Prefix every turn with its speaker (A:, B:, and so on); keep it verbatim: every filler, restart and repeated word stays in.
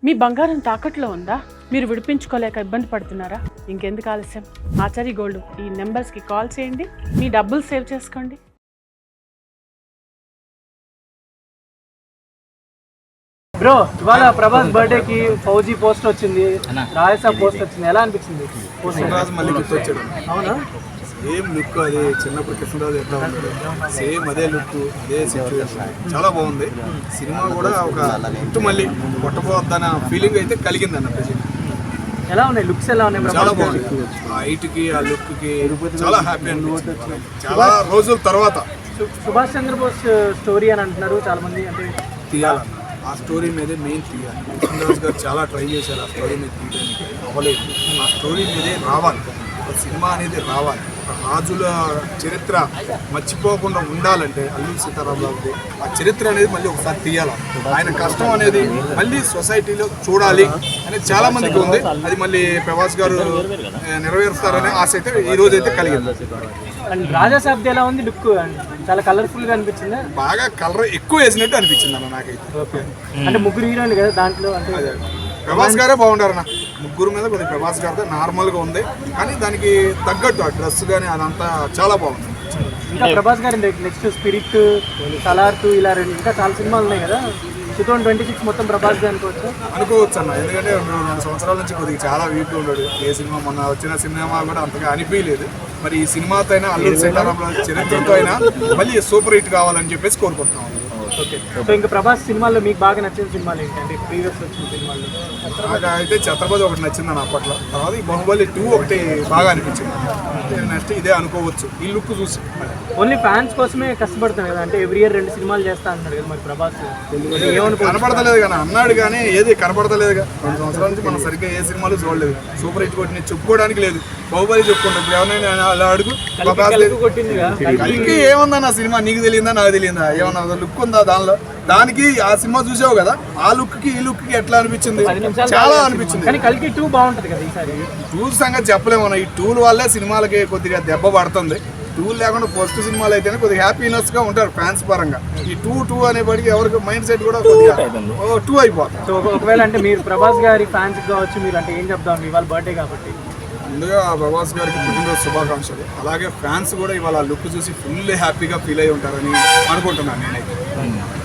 A: మీ బంగారం తాకట్లో ఉందా? మీరు విడిపించుకోలేక ఇబ్బంది పడుతున్నారా? ఇంకెందుకు ఆలస్యం, ఆచారి గోల్డ్ ఈ నెంబర్స్కి కాల్ చేయండి, మీ డబ్బులు సేవ్ చేసుకోండి.
B: బ్రో, ఇవాళ ప్రభాస్ బర్త్డే కి ఫౌజీ పోస్ట్ వచ్చింది, రాయసా పోస్ట్ వచ్చింది, ఎలా అనిపించింది?
C: కృష్ణరాజు మళ్ళీ గుర్తొచ్చాడు.
B: అవునా?
C: సేమ్ లుక్ అది చిన్నప్పుడు కృష్ణరాజు ఎట్లా ఉన్నాడు సేమ్ అదే లుక్ అదే సిచ్యువేషన్ చాలా బాగుంది. సినిమా కూడా ఒక హిట్ మళ్ళీ కొట్టబోద్దన్న ఫీలింగ్ అయితే కలిగింది అన్న ప్రజెంట్.
B: ఎలా ఉన్నాయి లుక్స్, ఎలా ఉన్నాయి?
C: చాలా బాగుంది. ఆ హైట్ కి ఆ లుక్ కి చాలా హ్యాపీ అనిపించింది చాలా రోజుల తర్వాత.
B: సుభాష్ చంద్రబోస్ స్టోరీ అని అంటున్నారు చాలా మంది, అంటే
C: తీయాలన్న ఆ స్టోరీ మీదే మెయిన్ తీయాలి. కృష్ణరాజు గారు చాలా ట్రై చేశారు ఆ స్టోరీ మీద తీయడానికి, అవ్వలేదు. ఆ స్టోరీ మీదే రావాలి, సినిమా అనేది రావాలి. రాజుల చరిత్ర మర్చిపోకుండా ఉండాలంటే అల్లూరి సీతారామరాజు ఆ చరిత్ర అనేది మళ్ళీ ఒకసారి తీయాలి. ఆయన కష్టం అనేది మళ్ళీ సొసైటీలో చూడాలి అనేది చాలా మందికి ఉంది. అది మళ్ళీ ప్రభాస్ గారు నెరవేరుస్తారనే ఆశ అయితే ఈ రోజు అయితే కలిగింది.
B: అండ్ రాజా సాబ్ది ఎలా ఉంది లుక్? చాలా కలర్ఫుల్ గా అనిపించింది,
C: బాగా కలర్ ఎక్కువ వేసినట్టు అనిపించింది అన్న నాకైతే.
B: ఓకే, అంటే ముగ్గురు హీరోయిన్లు కదా దాంట్లో, అంటే
C: ప్రభాస్ గారే బాగుంటారన్న. ముగ్గురు మీద కొద్దిగా ప్రభాస్ గారితో నార్మల్గా ఉంది, కానీ దానికి తగ్గట్టు ఆ డ్రెస్ కానీ అదంతా చాలా బాగుంది.
B: ఇంకా ప్రభాస్ గారి నెక్స్ట్ స్పిరిట్, సలార్, ఇలా రెండు ఇంకా చాలా సినిమాలు ఉన్నాయి కదా. టూ థౌసండ్ ట్వంటీ సిక్స్ మొత్తం ప్రభాస్ గారు అనుకోవచ్చు
C: అనుకోవచ్చు అన్న. ఎందుకంటే రెండు సంవత్సరాల నుంచి కొద్దిగా చాలా వీక్గా ఉన్నాడు. ఏ సినిమా మొన్న వచ్చిన సినిమా కూడా అంతగా అనిపించలేదు. మరి ఈ సినిమాతో అయినా అల్లూరి సీతారామరాజు చరిత్రతో అయినా మళ్ళీ సూపర్ హిట్ కావాలని చెప్పేసి కోరుకుంటున్నాం.
B: ఓకే, సో ఇంకా ప్రభాస్ సినిమాల్లో మీకు బాగా నచ్చిన సినిమాలు ఏంటి, అంటే ప్రీవియస్ వచ్చిన సినిమాల్లో?
C: నాకు అయితే ఛత్రపతి ఒకటి నచ్చిందని అప్పట్లో. తర్వాత ఈ బాహుబలి టూ ఒకటి బాగా అనిపించింది. నెక్స్ట్ ఇదే అనుకోవచ్చు ఈ లుక్ చూసి.
B: ఓన్లీ ఫ్యాన్స్ కోసమే కష్టపడుతున్నాడు కదా, అంటే ఎవ్రీ ఇయర్ రెండు సినిమాలు చేస్తా అంటున్నాడు కదా మరి ప్రభాస్. ఏమనుకో
C: కనపడతలేదు కానీ అన్నాడు, కానీ ఏది కనపడతలేదుగా. రెండు సంవత్సరాల నుంచి మనం సరిగ్గా ఏ సినిమాలు చూడలేదు. సూపర్ హిట్ కొట్టి చెప్పుకోవడానికి లేదు. బాహుబలి చెప్పుకుంటాం. ఇప్పుడు ఎవరైనా అలా అడుగు,
B: కొట్టింది
C: కలికి ఏముందన్న సినిమా నీకు తెలియదా నాకు తెలియదా? ఏమన్నా లుక్ ఉందా దానిలో? దానికి ఆ సినిమా చూసావు కదా, ఆ లుక్ కి ఈ లుక్ కి ఎట్లా అనిపించింది? చాలా అనిపించింది.
B: కానీ కలికి టూ బాగుంటది కదా ఈసారి.
C: టూల్ సంగతి చెప్పలేము. ఈ టూల్ వల్లే సినిమాలకి కొద్దిగా దెబ్బ పడుతుంది. టూల్ లేకుండా ఫస్ట్ సినిమాలు అయితేనే కొద్దిగా హ్యాపీనెస్ గా ఉంటారు ఫ్యాన్స్ పరంగా. ఈ టూ టూ అనేప్పటికీ ఎవరికి మైండ్ సెట్ కూడా కొద్దిగా టూ అయిపోతుంది.
B: సో ఒకవేళ అంటే మీరు ప్రభాస్ గారి ఫ్యాన్స్ కావచ్చు, మీరు అంటే ఏం చెప్తాం ఇవాళ బర్త్డే కాబట్టి?
C: ముందుగా ప్రభాస్ గారికి పుట్టినరోజు శుభాకాంక్షలు. అలాగే ఫ్యాన్స్ కూడా ఇవాళ లుక్ చూసి ఫుల్ హ్యాపీగా ఫీల్ అయి ఉంటారని అనుకుంటున్నాను నేనైతే.